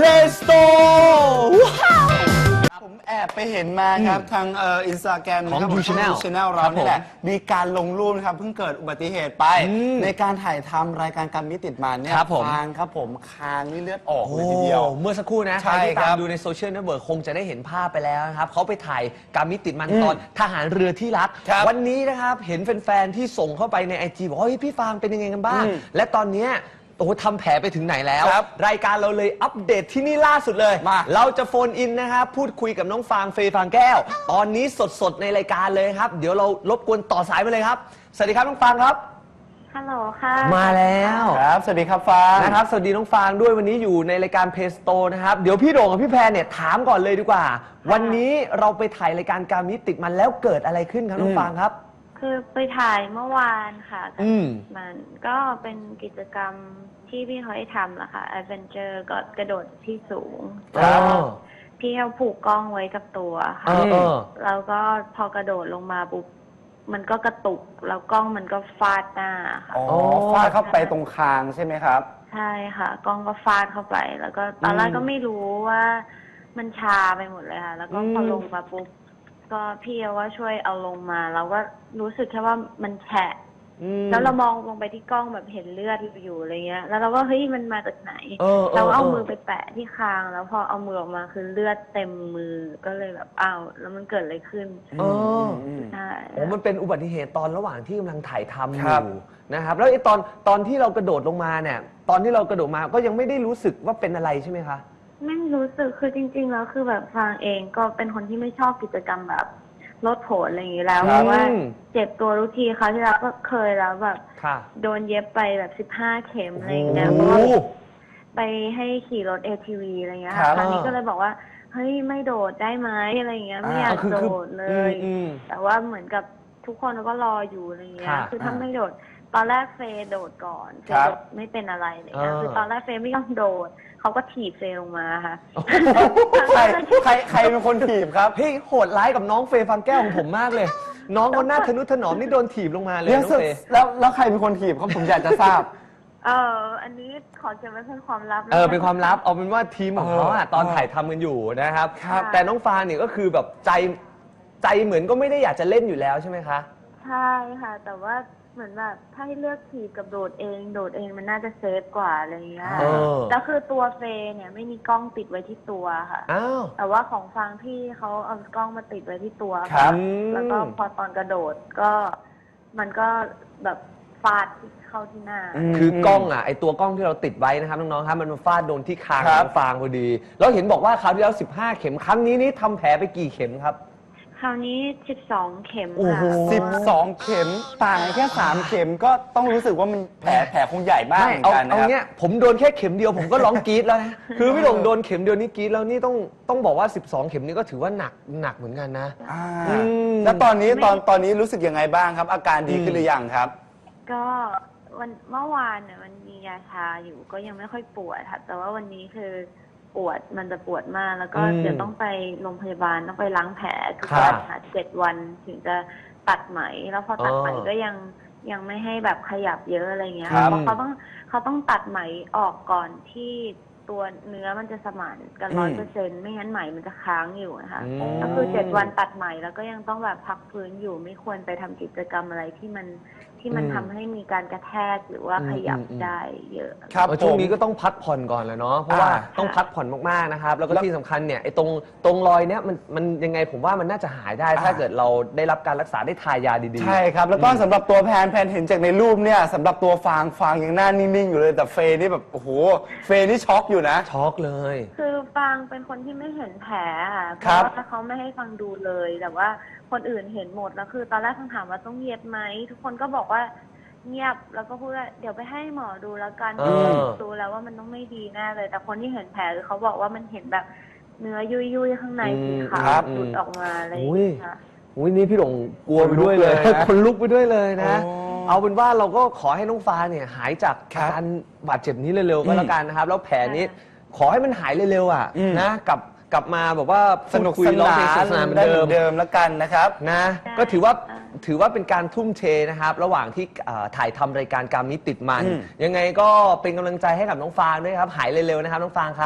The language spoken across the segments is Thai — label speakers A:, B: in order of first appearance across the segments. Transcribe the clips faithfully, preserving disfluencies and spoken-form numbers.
A: Play Store ผมแอบไปเห็นมาครับทางเอ่ออินสตาแกรม
B: ของ
A: นะครับ
B: ยูชาแนล
A: ชาแนลเรานี่แหละมีการลงรูปนะครับเพิ่งเกิดอุบัติเหตุไปในการถ่ายทำรายการการมิติดมันเนี่ย
B: ครับผม
A: คางครับผมคางนี่เลือดออกเลยทีเดียว
B: โอ้เมื่อสักครู่นะ
A: ใช่
B: ใครที่
A: ค
B: ตา
A: รั
B: ม
A: บ
B: ดูในโซเชียลเน็ตเวิร์กคงจะได้เห็นภาพไปแล้วนะครับเขาไปถ่ายการมิติดมันตอนทหารเรือที่รัก
A: ครับ
B: วันนี้นะครับเห็นแฟนๆที่ส่งเข้าไปในไอจีบอกว่าเฮ้ยพี่ฟางเป็นยังไงกันบ้าง
A: อืม
B: และตอนเนี้ยโอ้โหทำแผลไปถึงไหนแล้ว
A: ครับ
B: รายการเราเลยอัปเดตที่นี่ล่าสุดเลย
A: มา
B: เราจะโฟนอินนะครับพูดคุยกับน้องฟางเฟย์ฟางแก้ว ตอนนี้สดๆในรายการเลยครับเดี๋ยวเรารบกวนต่อสายมาเลยครับสวัสดีครับน้องฟางครับ
C: ฮัลโหลค่ะ
B: มาแล้ว
A: ครับสวัสดีครับฟาง
B: นะครับสวัสดีน้องฟางด้วยวันนี้อยู่ในรายการเพสโตนะครับเดี๋ยวพี่โด่งกับพี่แพรเนี่ยถามก่อนเลยดีกว่า วันนี้เราไปถ่ายรายการการมิติดมันแล้วเกิดอะไรขึ้นครับน้องฟางครับ
C: คือไปถ่ายเมื่อวานค่ะ
B: อืม
C: มันก็เป็นกิจกรรมที่พี่เขาให้ทำแหละค่ะ Adventure ก็กระโดดที่สูง
B: ครับ
C: แล้วพี่เขาผูกกล้องไว้กับตัว
B: เอ
C: ค่ะ
B: อเออ
C: แล้วก็พอกระโดดลงมาปุ๊บมันก็กระตุกแล้วกล้องมันก็ฟาดหน้าค่ะ
A: อ๋อฟาดเข้าไปตรงคางใช่ไหมครับ
C: ใช่ค่ะ กล้องก็ฟาดเข้าไป แล้วก็ตอนแรกก็ไม่รู้ว่ามันชาไปหมดเลยค่ะ แล้วก็พอลงมาปุ๊บก็พี่เขาว่าช่วยเอาลงมาเราก็รู้สึกแค่ว่ามันแฉะ
B: อืม
C: แล้วเรามองลงไปที่กล้องแบบเห็นเลือดอยู่อะไรเงี้ย แล้วเราก็เฮ้ยมันมาจากไหน
B: เออเออ
C: เราก็เอา
B: เออ
C: มือไปแปะที่คาง แล้วพอเอามือออกมาคือเลือดเต็มมือ ก็เลยแบบอ้าวแล้วมันเกิดอะไรขึ้น
B: เออ
C: ใช่
B: โอ้มันเป็นอุบัติเหตุตอนระหว่างที่กำลังถ่ายทำอ
A: ครับ
B: ยู่นะครับแล้วไอ้ตอนตอนที่เรากระโดดลงมาเนี่ยตอนที่เรากระโดดมาก็ยังไม่ได้รู้สึกว่าเป็นอะไรใช่ไหมคะ
C: ไม่รู้สึกคือจริงๆแล้วคือแบบฟางเองก็เป็นคนที่ไม่ชอบกิจกรรมแบบลดโผลอะไรอย่างนี้แล้ว
B: ครับ
C: เพราะว่า
B: อืม
C: เจ็บตัวทุกทีเขาวที่แล้วก็เคยแล้วแบบ
B: ค่ะ
C: โดนเย็บไปแบบสิบห้าเข็มอะไรอย่าง
B: โอ้
C: เงี้ยเพ
B: โห
C: ราะว่าไปให้ขี่รถ เอ ที วี อะไรเงี้ย
A: ครั
C: ค่ะ
A: บ
C: ครั้งนี้ก็เลยบอกว่าเฮ้ยไม่โดดได้ไหมอะไรเงี้ยไม่อยาก
B: คือ
C: โด
B: คือ
C: ดเลย
B: อืม
C: แต่ว่าเหมือนกับทุกคนก็รออยู่อะไรเงี้ย
B: ค่ะ
C: คือถ้าไม่โดดตอนแรกเฟย์โดดก่อนเฟ
A: ครั
C: ย์
A: บ
C: โดดไม่เป็นอะไรอะไรเงี้ย
B: เออ
C: คือตอนแรกเฟย์ไม่ยอมโดดเขาก็ถีบเฟย์ลงมาค่ะ
A: ใครใครใครเป็นคนถีบครับ
B: เฮ้ยโหดร้ายกับน้องเฟย์ฟังแก้วของผมมากเลย น้องเขาหน้าทะนุถนอมนี่โดนถีบลงมาเลย
A: เดี๋ยว
B: น้อง
A: สุด
B: เฟย์
A: แล้วแล้วใครเป็นคนถีบครับผมอยากจะทราบ
C: เอออันนี้ขอเก็บไว้เป็นความลับะ
B: เออเป็นความลับเอาเป็นว่าทีมของเขาอะ
A: เออ
B: ตอนถ่ายทำกันอยู่นะครับ
C: ครับ
B: แต่น้องฟางเนี่ยก็คือแบบใจใจเหมือนก็ไม่ได้อยากจะเล่นอยู่แล้วใช่ไหมคะ
C: ใช่ค่ะ แต่ว่าเหมือนแบบถ้าให้เลือกถีบกับโดดเอง โดดเองมันน่าจะเซฟกว่าอะไรอย่างเงี้ย
B: เออ
C: แล้วคือตัวเฟย์เนี่ยไม่มีกล้องติดไว้ที่ตัวค่ะ
B: อ้าว
C: แต่ว่าของฟังพี่เขาเอากล้องมาติดไว้ที่ตัว
A: ครับ
C: แล้วก็พอตอนกระโดดก็มันก็แบบฟาดเข้าที่หน้า
B: คือกล้องอ่ะไอตัวกล้องที่เราติดไว้นะครับน้องๆครับมันมาฟาดโดนที่คาง
A: ครั
B: ข
A: บ
B: องฟางพอดีแล้วเห็นบอกว่าคราวที่แล้วสิบห้าเข็มครั้งนี้นี่ทำแผลไปกี่เข็มครับ
C: คราวนี้สิบสองเข็ม
B: โอ้โห
C: ค่ะ
A: สิบสองเข็มต่างกันแค่สามเข็มก็ต้องรู้สึกว่ามันแผลแผลคงใหญ่บ้าง
B: ไม่
A: เหมือ
B: เอา
A: นกันนะ
B: เอา
A: ครับ
B: เนี้ยผมโดนแค่เข็มเดียวผมก็ร้องกรี๊ดแล้วนะ คือพี่หลงโดนเข็มเดียวนี่กรี๊ดแล้วนี่ต้องต้องบอกว่าสิบสองเข็มนี่ก็ถือว่าหนักหนักเหมือนกันนะ
A: อ่า
B: อืม
A: แล้วตอนนี้ตอนตอนนี้รู้สึกยังไงบ้างครับ อาการดีขึ้นหรือยังครับ
C: ก็วันเมื่อวานเนี่ยมันมียาชาอยู่ก็ยังไม่ค่อยปวดค่ะแต่ว่าวันนี้คือปวดมันจะปวดมากแล้วก็
B: อืม
C: เดี๋ยวต้องไปโรงพยาบาลต้องไปล้างแผลทุก
B: ครับ
C: วันค่ะเจ็ดวันถึงจะตัดไหมแล้วพอตัดไหม
B: อ๋อ
C: ก็ยังยังไม่ให้แบบขยับเยอะอะไรเงี้ย
A: ครับ
C: เพราะเขาต้องเขาต้องตัดไหมออกก่อนที่ตัวเนื้อมันจะสมานกันร้อยเปอร์เซ็นต์ไม่งั้นไหมมันจะค้างอยู่นะคะ
B: อืม
C: ก็คือเจ็ดวันตัดไหมแล้วก็ยังต้องแบบพักฟื้นอยู่ไม่ควรไปทำกิจกรรมอะไรที่มันที่มัน
B: อืม
C: ทำให้มีการกระแทกหรือว่าขยับ
B: อืมอืม
C: ได้เยอะ
A: ครับ
B: เออช่วงนี้
A: ผม
B: ก็ต้องพักผ่อนก่อนแหล้วเนาะเพราะว่า
A: อ่า
B: ต้องพักผ่อนมากๆนะครับแล้วก็ที่สำคัญเนี่ยไอ้ตรงตรงรอยเนี้ยมันมันยังไงผมว่ามันน่าจะหายได้ ถ้าเกิดเราได้รับการรักษาได้ทายาดีๆ
A: ใช่ครับ แล้วก็สำหรับตัวแพนแพนเห็นจากในรูปเนี่ยสำหรับตัวฟางฟางยังหน้านิ่งๆอยู่เลยแต่เฟย์นี่แบบโอ้โหเฟย์นี่ช็อกอยู่นะ
B: ช็อกเลย
C: คือฟังเป็นคนที่ไม่เห็นแผลค่ะเพ
A: ครั
C: ราะ
A: บ
C: ว่าเขาไม่ให้ฟังดูเลย แต่ว่าคนอื่นเห็นหมดแล้วคือตอนแรกฟังถามว่าต้องเย็บไหมทุกคนก็บอกว่าเงียบแล้วก็พูดว่าเดี๋ยวไปให้หมอดูแล้วกัน
B: เออ
C: ดูแล้วว่ามันต้องไม่ดีแน่เลย แต่คนที่เห็นแผลคือเขาบอกว่ามันเห็นแบบเนื้อยุยยุยๆข้างในสีขา
A: ครั
C: ว
A: บ
C: หลุดออกมาอะไรอย่าง
B: อุ้ย
C: เงี้ยค่ะ
B: อุ้ยนี่พี่หลงกลัวไปด้วยเลย
A: คนลุกไปด้วยนะ
B: คนลุกไปด้วยเลยนะ
A: โอ้
B: เอาเป็นว่าเราก็ขอให้น้องฟ้าเนี่ยหายจาก
A: ครับ
B: อาการบาดเจ็บนี้เร็วๆก็แล้วกันนะครับ แล้วแผลนี้
C: ค่ะ
B: ขอให้มันหายเร็วๆอ่ะ
A: อืม
B: นะกลับกลับมาแบบว่า
A: สนุก
B: พูดคุย
A: ส
B: ร้อง
A: นา
B: เพลงสนุกสนานเหมือน
A: นได้
B: เดิ
A: เหมื
B: ม
A: อนเดิมแล้วกันนะครับ
B: นะ
C: ใช่
B: ก็ถือว่า
C: อ่า
B: ถือว่าเป็นการทุ่มเทนะครับ ระหว่างที่เอ่อถ่ายทำรายการการมิติดมัน
A: อืม
B: ยังไงก็เป็นกำลังใจให้กับน้องฟางด้วยครับ หายเร็วๆนะครับน้องฟางครับ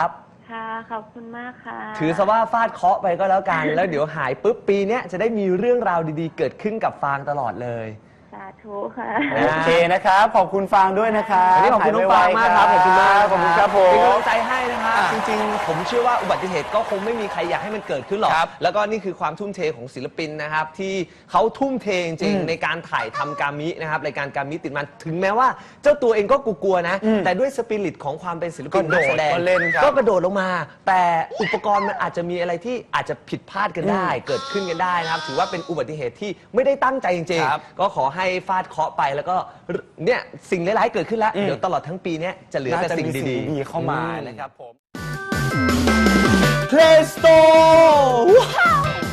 C: ค่ะขอบคุณมากค่ะ
B: ถือซะว่าฟาดเคราะห์ไปก็แล้วกัน แล้วเดี๋ยวหายปุ๊บปีเนี้ยจะได้มีเรื่องราวดีๆ เกิดขึ้นกับฟางตลอดเลย
C: สาธุค่ะ
A: โอเคนะครับ ขอบคุณฟางด้วยนะครับ
B: วันนี้ขอบคุณน้องฟางมากครับ ขอบคุณมาก
A: ขอบคุณครับผ
B: เป็น
A: ม
B: กำลังใจให้นะครับ
A: อ่ะ
B: จริงๆ ผมเชื่อว่าอุบัติเหตุก็คงไม่มีใครอยากให้มันเกิดขึ้นหรอก
A: ครับ
B: แล้วก็นี่คือความทุ่มเทของศิลปินนะครับ ที่เขาทุ่มเทจริง
A: อืม
B: ๆในการถ่ายทำการมินะครับรายการการมิติดมันถึงแม้ว่าเจ้าตัวเองก็กลัวๆนะ
A: อืม
B: แต่ด้วยสปิริตของความเป็นศิลปิน
A: ก็โดด
B: นัแสดง
A: ก็เล่นครับ
B: ก็กระโดดลงมา แต่อุปกรณ์มันอาจจะมีอะไรที่อาจจะผิดพลาดกันได้ เกิดขึ้นกันได้นะครับ ถือว่าเป็นอุบัติเหตุที่ไม่ได้ตั้งใจจริง
A: ครับ
B: ๆ ก็ขอให้ฟาดเคราะห์ไปแล้วก็เนี่ยสิ่งร้ายๆเกิดขึ้นแล้ว
A: อืม
B: เดี๋ยวตลอดทั้งปีเนี้ยจะเหลือ
A: น่า
B: แต่
A: จะ
B: สิ่ง
A: มีสิ่ง
B: ดี
A: ดี
B: ๆ
A: ๆเข้ามา
B: อื
A: นะครับผม
B: Play Store ว้าว